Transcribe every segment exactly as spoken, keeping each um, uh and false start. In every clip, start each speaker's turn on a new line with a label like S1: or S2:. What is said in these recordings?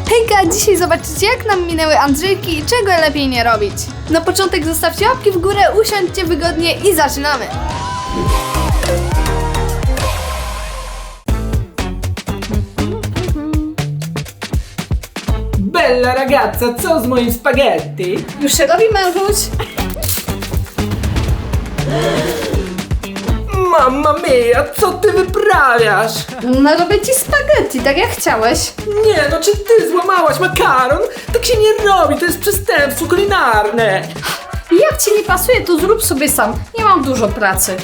S1: Hejka, dzisiaj zobaczycie jak nam minęły Andrzejki i czego lepiej nie robić. Na początek zostawcie łapki w górę, usiądźcie wygodnie i zaczynamy.
S2: Bella ragazza, co z moim spaghetti?
S1: Już się robi, mężuś?
S2: Mamma mia, co ty wyprawiasz?
S1: No robię ci spaghetti, tak jak chciałeś.
S2: Nie no, czy ty złamałaś makaron? Tak się nie robi, to jest przestępstwo kulinarne.
S1: Jak ci nie pasuje, to zrób sobie sam. Nie mam dużo pracy.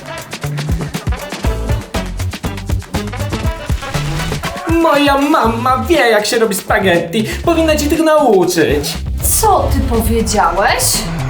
S2: Moja mama wie, jak się robi spaghetti. Powinna ci tego nauczyć.
S1: Co ty powiedziałeś?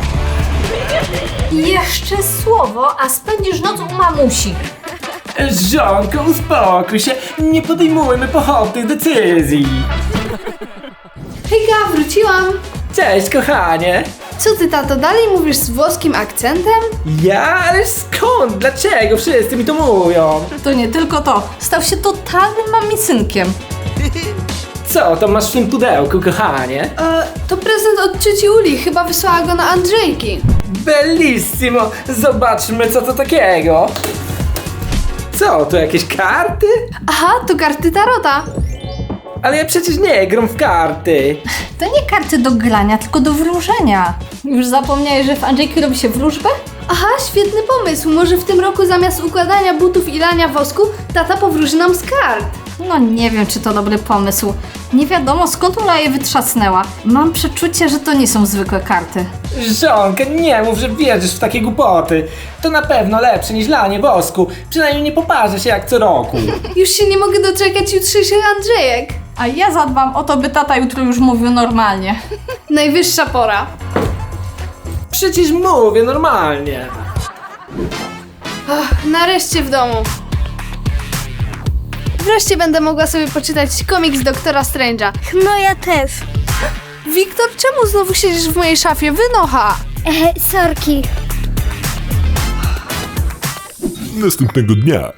S1: Jeszcze słowo, a spędzisz noc u mamusi.
S2: Żonko, uspokój się. Nie podejmujmy pochopnych decyzji.
S1: Hejka, wróciłam.
S2: Cześć, kochanie.
S1: Co ty, tato, dalej mówisz z włoskim akcentem?
S2: Ja? Ale skąd? Dlaczego? Wszyscy mi to mówią.
S3: To nie tylko to. Stał się totalnym mamicynkiem.
S2: Co to masz w tym pudełku, kochanie?
S1: E, to prezent od cioci Uli, chyba wysłała go na Andrzejki.
S2: Bellissimo! Zobaczmy, co to takiego. Co, to jakieś karty?
S1: Aha, to karty tarota.
S2: Ale ja przecież nie gram w karty.
S3: To nie karty do grania, tylko do wróżenia. Już zapomniałeś, że w Andrzejki robi się wróżbę?
S1: Aha, świetny pomysł. Może w tym roku zamiast układania butów i lania wosku, tata powróży nam z kart.
S3: No nie wiem, czy to dobry pomysł. Nie wiadomo, skąd Ula je wytrzasnęła. Mam przeczucie, że to nie są zwykłe karty.
S2: Żonka, nie mów, że wierzysz w takie głupoty. To na pewno lepsze niż lanie wosku. Przynajmniej nie poparzę się jak co roku.
S1: Już się nie mogę doczekać jutrzejszych Andrzejek.
S3: A ja zadbam o to, by tata jutro już mówił normalnie.
S1: Najwyższa pora.
S2: Przecież mówię normalnie.
S1: Ach, nareszcie w domu. Wreszcie będę mogła sobie poczytać komiks Doktora Strange'a.
S4: No ja też.
S1: Wiktor, czemu znowu siedzisz w mojej szafie? Wynocha!
S4: E, sorki.
S5: Następnego dnia.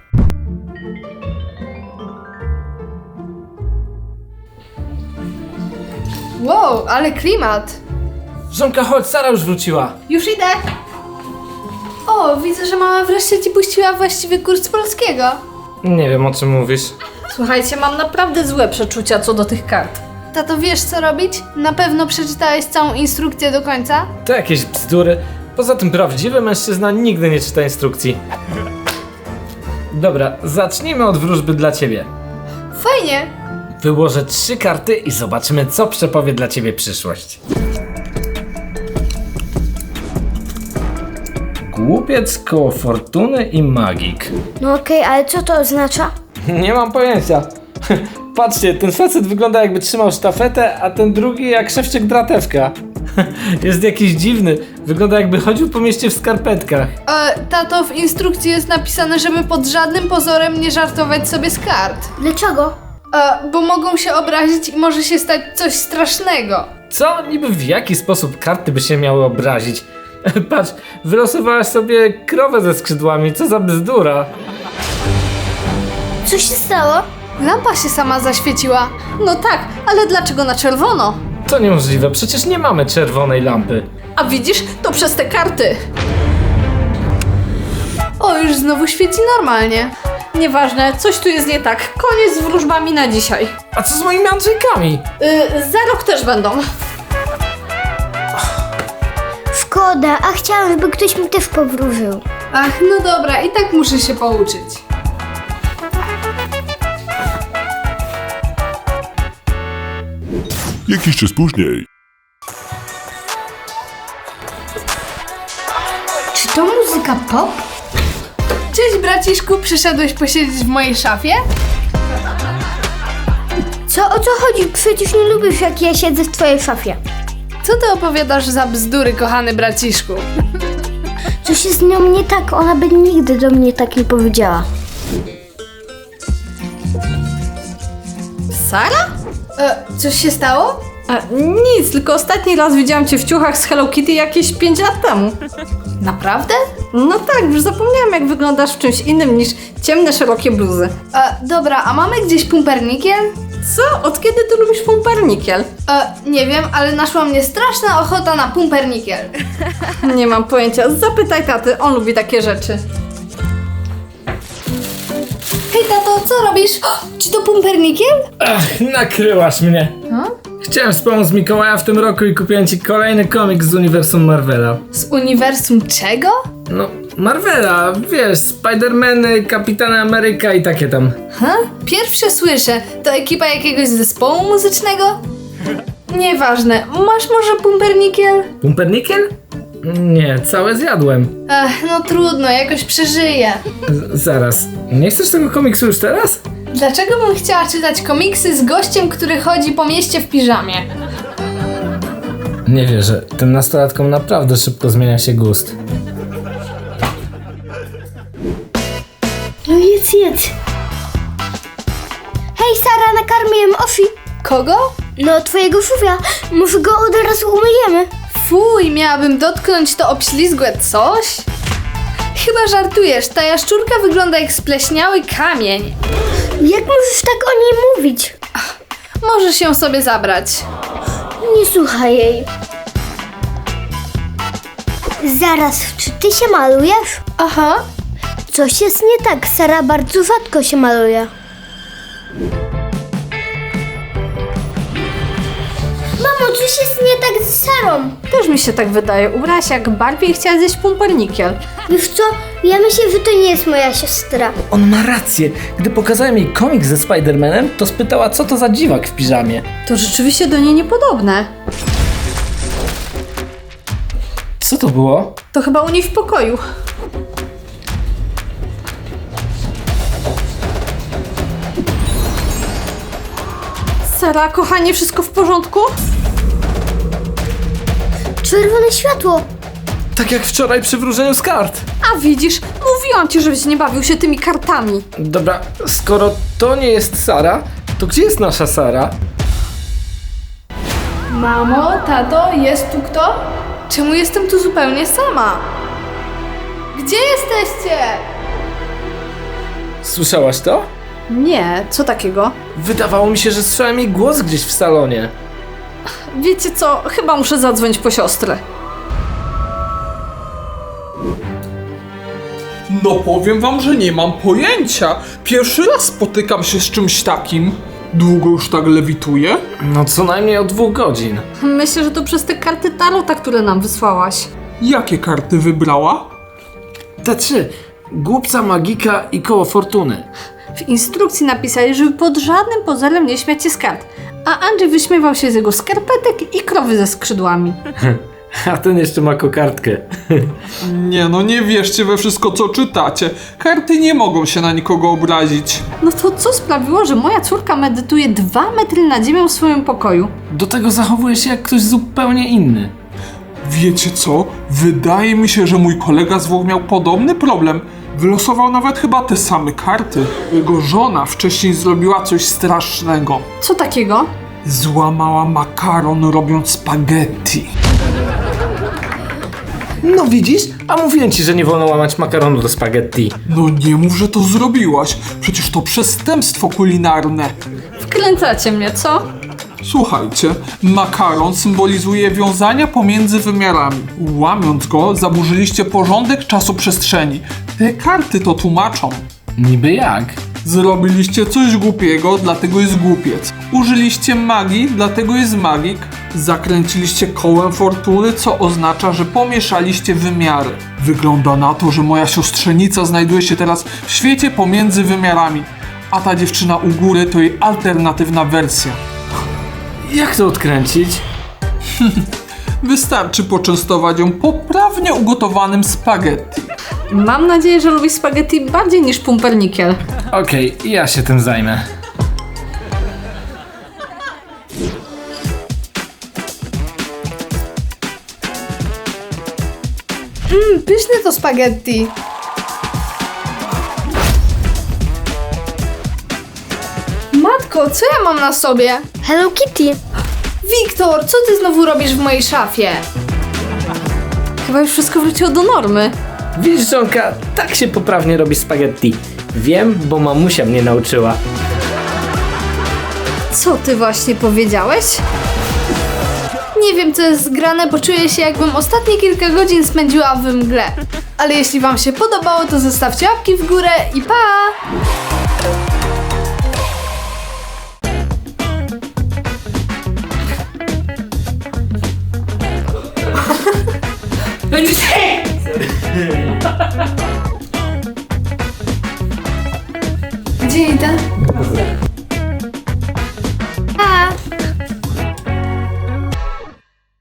S1: Wow, ale klimat.
S2: Żonka, chodź, Sara już wróciła.
S1: Już idę. O, widzę, że mama wreszcie ci puściła właściwy kurs polskiego.
S2: Nie wiem, o czym mówisz.
S3: Słuchajcie, mam naprawdę złe przeczucia co do tych kart.
S1: Tato, wiesz co robić? Na pewno przeczytałeś całą instrukcję do końca?
S2: To jakieś bzdury. Poza tym prawdziwy mężczyzna nigdy nie czyta instrukcji. Dobra, zacznijmy od wróżby dla ciebie.
S1: Fajnie.
S2: Wyłożę trzy karty i zobaczymy, co przepowie dla ciebie przyszłość. Głupiec, koło fortuny i magik.
S4: No okej, ale co to oznacza?
S2: Nie mam pojęcia. Patrzcie, ten facet wygląda jakby trzymał sztafetę, a ten drugi jak szewczyk dratewka. Jest jakiś dziwny. Wygląda jakby chodził po mieście w skarpetkach.
S1: E, tato, w instrukcji jest napisane, żeby pod żadnym pozorem nie żartować sobie z kart.
S4: Dlaczego?
S1: E, bo mogą się obrazić i może się stać coś strasznego.
S2: Co? Niby w jaki sposób karty by się miały obrazić? Patrz, wylosowałaś sobie krowę ze skrzydłami, co za bzdura.
S4: Co się stało?
S1: Lampa się sama zaświeciła.
S3: No tak, ale dlaczego na czerwono?
S2: To niemożliwe, przecież nie mamy czerwonej lampy.
S3: A widzisz, to przez te karty.
S1: O, już znowu świeci normalnie.
S3: Nieważne, coś tu jest nie tak. Koniec z wróżbami na dzisiaj.
S2: A co z moimi Andrzejkami?
S3: Yy, za rok też będą.
S4: Szkoda, a chciałam, żeby ktoś mi też powróżył.
S1: Ach, no dobra, i tak muszę się pouczyć.
S5: Jakiś czas później.
S1: Czy to muzyka pop? Cześć braciszku, przyszedłeś posiedzieć w mojej szafie?
S4: Co, o co chodzi? Przecież nie lubisz, jak ja siedzę w twojej szafie.
S1: Co ty opowiadasz za bzdury, kochany braciszku?
S4: Coś jest z nią nie tak, ona by nigdy do mnie tak nie powiedziała.
S3: Sara?
S1: E, coś się stało?
S3: A, nic, tylko ostatni raz widziałam cię w ciuchach z Hello Kitty jakieś pięć lat temu.
S1: Naprawdę?
S3: No tak, już zapomniałam jak wyglądasz w czymś innym niż ciemne, szerokie bluzy.
S1: E, dobra, a mamy gdzieś pumpernikiel?
S3: Co? Od kiedy ty lubisz pumpernikiel?
S1: E, nie wiem, ale naszła mnie straszna ochota na pumpernikiel.
S3: Nie mam pojęcia. Zapytaj taty, on lubi takie rzeczy.
S1: Hej tato, co robisz? O, czy to pumpernikiel?
S2: Ach, nakryłaś mnie. Chciałem wspomóc Mikołaja w tym roku i kupiłem ci kolejny komiks z uniwersum Marvela.
S1: Z uniwersum czego?
S2: No, Marvela, wiesz, Spidermany, Kapitan Ameryka i takie tam.
S1: Ha? Pierwsze słyszę. To ekipa jakiegoś zespołu muzycznego? Nieważne. Masz może pumpernikiel?
S2: Pumpernikiel? Nie, całe zjadłem.
S1: Ech, no trudno, jakoś przeżyję.
S2: Z zaraz, nie chcesz tego komiksu już teraz?
S1: Dlaczego bym chciała czytać komiksy z gościem, który chodzi po mieście w piżamie?
S2: Nie wierzę, tym nastolatkom naprawdę szybko zmienia się gust.
S4: No jedz, jedz. Hej Sara, nakarmiłem Ofi.
S1: Kogo?
S4: No twojego szufia. Może go od razu umyjemy.
S1: Fuj, miałabym dotknąć to obślizgłe coś? Chyba żartujesz, ta jaszczurka wygląda jak spleśniały kamień.
S4: Jak możesz tak o niej mówić?
S1: Możesz ją sobie zabrać.
S4: Nie słuchaj jej. Zaraz, czy ty się malujesz?
S1: Aha.
S4: Coś jest nie tak, Sara bardzo rzadko się maluje. Mamo, coś jest nie tak z Sarą.
S3: Też mi się tak wydaje. Ubrałaś jak Barbie i chciała zjeść pumpernikiel.
S4: Wiesz co, ja myślę, że to nie jest moja siostra.
S2: On ma rację. Gdy pokazałem jej komiks ze Spidermanem, to spytała, co to za dziwak w piżamie.
S3: To rzeczywiście do niej niepodobne.
S2: Co to było?
S3: To chyba u niej w pokoju. Sara, kochanie, wszystko w porządku?
S4: Czerwone światło.
S2: Tak jak wczoraj przy wróżeniu z kart.
S3: A widzisz, mówiłam ci, żebyś nie bawił się tymi kartami.
S2: Dobra, skoro to nie jest Sara, to gdzie jest nasza Sara?
S1: Mamo, tato, jest tu kto? Czemu jestem tu zupełnie sama? Gdzie jesteście?
S2: Słyszałaś to?
S3: Nie, co takiego?
S2: Wydawało mi się, że słyszałem jej głos gdzieś w salonie.
S3: Wiecie co, chyba muszę zadzwonić po siostrę.
S6: No powiem wam, że nie mam pojęcia. Pierwszy raz spotykam się z czymś takim. Długo już tak lewituję?
S2: No co najmniej od dwóch godzin.
S3: Myślę, że to przez te karty tarota, które nam wysłałaś.
S6: Jakie karty wybrała?
S2: Te trzy. Głupca, magika i koło fortuny.
S3: W instrukcji napisali, żeby pod żadnym pozorem nie śmiać się z kart. A Andrzej wyśmiewał się z jego skarpetek i krowy ze skrzydłami.
S2: A ten jeszcze ma kokardkę.
S6: Nie no, nie wierzcie we wszystko co czytacie. Karty nie mogą się na nikogo obrazić.
S3: No to co sprawiło, że moja córka medytuje dwa metry nad ziemią w swoim pokoju?
S2: Do tego zachowuje się jak ktoś zupełnie inny.
S6: Wiecie co? Wydaje mi się, że mój kolega z Włoch miał podobny problem. Wylosował nawet chyba te same karty. Jego żona wcześniej zrobiła coś strasznego.
S3: Co takiego?
S6: Złamała makaron robiąc spaghetti.
S2: No widzisz? A mówiłem ci, że nie wolno łamać makaronu do spaghetti.
S6: No nie mów, że to zrobiłaś. Przecież to przestępstwo kulinarne.
S3: Wkręcacie mnie, co?
S6: Słuchajcie, makaron symbolizuje wiązania pomiędzy wymiarami. Łamiąc go, zaburzyliście porządek czasoprzestrzeni. Te karty to tłumaczą.
S2: Niby jak?
S6: Zrobiliście coś głupiego, dlatego jest głupiec. Użyliście magii, dlatego jest magik. Zakręciliście kołem fortuny, co oznacza, że pomieszaliście wymiary. Wygląda na to, że moja siostrzenica znajduje się teraz w świecie pomiędzy wymiarami, a ta dziewczyna u góry to jej alternatywna wersja.
S2: Jak to odkręcić?
S6: Wystarczy poczęstować ją poprawnie ugotowanym spaghetti.
S3: Mam nadzieję, że lubi spaghetti bardziej niż pumpernikiel.
S2: Okej, ja się tym zajmę.
S1: Mmm, pyszne to spaghetti. Matko, co ja mam na sobie?
S4: Hello Kitty.
S1: Wiktor, co ty znowu robisz w mojej szafie?
S3: Chyba już wszystko wróciło do normy.
S2: Widzisz, żonka, tak się poprawnie robi spaghetti. Wiem, bo mamusia mnie nauczyła.
S3: Co ty właśnie powiedziałeś?
S1: Nie wiem, co jest zgrane, bo czuję się, jakbym ostatnie kilka godzin spędziła w mgle. Ale jeśli wam się podobało, to zostawcie łapki w górę i pa! Gdzie idę?